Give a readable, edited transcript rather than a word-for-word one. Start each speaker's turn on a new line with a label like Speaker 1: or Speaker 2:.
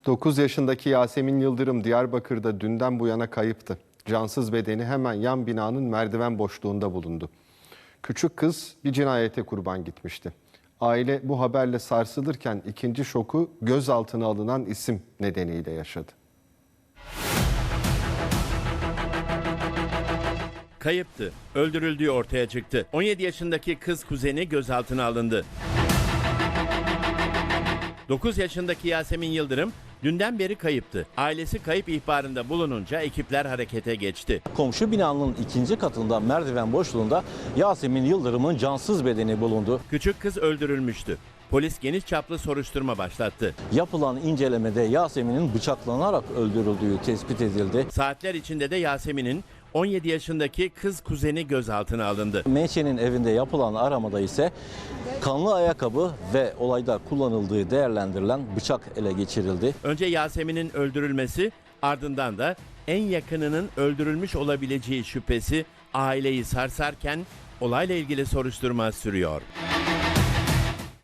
Speaker 1: 9 yaşındaki Yasemin Yıldırım Diyarbakır'da dünden bu yana kayıptı. Cansız bedeni hemen yan binanın merdiven boşluğunda bulundu. Küçük kız bir cinayete kurban gitmişti. Aile bu haberle sarsılırken ikinci şoku gözaltına alınan isim nedeniyle yaşadı.
Speaker 2: Kayıptı. Öldürüldüğü ortaya çıktı. 17 yaşındaki kız kuzeni gözaltına alındı. 9 yaşındaki Yasemin Yıldırım dünden beri kayıptı. Ailesi kayıp ihbarında bulununca ekipler harekete geçti.
Speaker 3: Komşu binanın ikinci katında merdiven boşluğunda Yasemin Yıldırım'ın cansız bedeni bulundu.
Speaker 2: Küçük kız öldürülmüştü. Polis geniş çaplı soruşturma başlattı.
Speaker 3: Yapılan incelemede Yasemin'in bıçaklanarak öldürüldüğü tespit edildi.
Speaker 2: Saatler içinde de Yasemin'in 17 yaşındaki kız kuzeni gözaltına alındı.
Speaker 3: Menşe'nin evinde yapılan aramada ise kanlı ayakkabı ve olayda kullanıldığı değerlendirilen bıçak ele geçirildi.
Speaker 2: Önce Yasemin'in öldürülmesi, ardından da en yakınının öldürülmüş olabileceği şüphesi aileyi sarsarken olayla ilgili soruşturma sürüyor.